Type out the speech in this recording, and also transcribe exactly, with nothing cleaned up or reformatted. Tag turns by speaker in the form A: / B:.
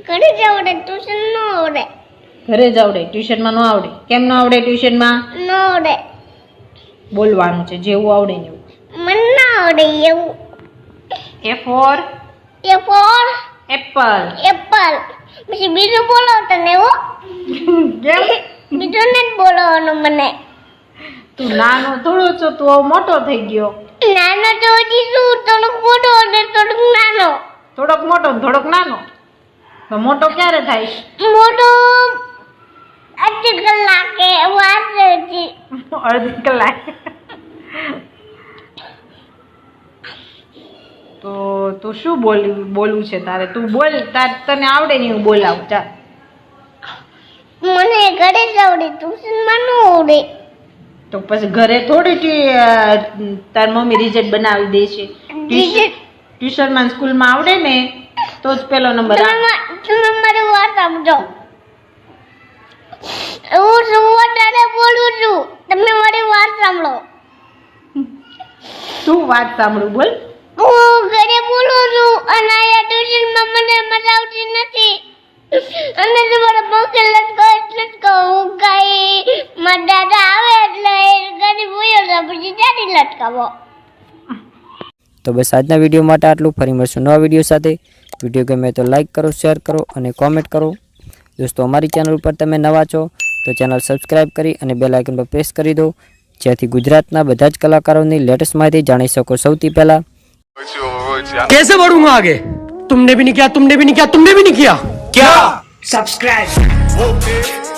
A: ઘરે જ આવડે, ટ્યુશન ન આવડે.
B: ઘરે જ આવડે, ટ્યુશનમાં ન આવડે. કેમ ન આવડે ટ્યુશનમાં?
A: ન આવડે.
B: બોલવાનું છે જેવું આવડે ને એવું.
A: મને ના આવડે એવું.
B: A for
A: A for
B: apple.
A: Apple. પછી બીજું બોલો તને હો.
B: કેમ?
A: બીજું નથી બોલવાનું મને.
B: તું નાનો થોડો છો, તું હવે મોટો થઈ ગયો.
A: નાનો તો હજી શું, થોડોક મોટો અને થોડોક નાનો.
B: થોડોક મોટો ને થોડોક નાનો. તો મોટો ક્યારે થાય?
A: મોટો અડધી કલાકે વાર છે.
B: અડધી કલાક. તો તું શું બોલી બોલવું છે તારે? તું બોલ, તાર તને આવડે ને હું બોલાવું. ચાલ.
A: મને ઘરે જ આવડે, ટ્યુશનમાં ન આવડે.
B: તો પછી ઘરે થોડી ટી- તાર મમ્મી રિઝલ્ટ બનાવી દે છે. ટ્યુશનમાં સ્કૂલમાં આવડે ને તો જ પેલો નંબર આવે.
A: તમે તમે મારી વાત સમજો. હું શું વધારે બોલું છું, તમે મારી વાત સાંભળો.
B: શું વાત સાંભળું? બોલ.
A: હું ઘરે બોલું છું અને અહીંયા ટ્યુશનમાં મને મજા આવતી નથી. અને તમારા પંખે લટકો એટલે જ કહું, હું કઈ મારા દાદા આવે એટલે ઘરે બોલ્યો તો પછી ત્યાંથી લટકાવો.
C: તો બસ આજના વિડીયો માટે આટલું. ફરી મળશું નવા વિડીયો સાથે. વિડીયો ગમે તો લાઇક કરો, શેર કરો અને કોમેન્ટ કરો. દોસ્તો અમારી ચેનલ ઉપર તમે નવા છો તો ચેનલ સબસ્ક્રાઈબ કરી અને બેલ આઇકન પર પ્રેસ કરી દો, જેથી ગુજરાતના બધા જ કલાકારોની લેટેસ્ટ માહિતી જાણી શકો સૌથી પહેલા.
D: कैसे बढ़ूंगा आगे? तुमने भी नहीं किया, तुमने भी नहीं किया, तुमने भी नहीं किया क्या? सब्सक्राइब.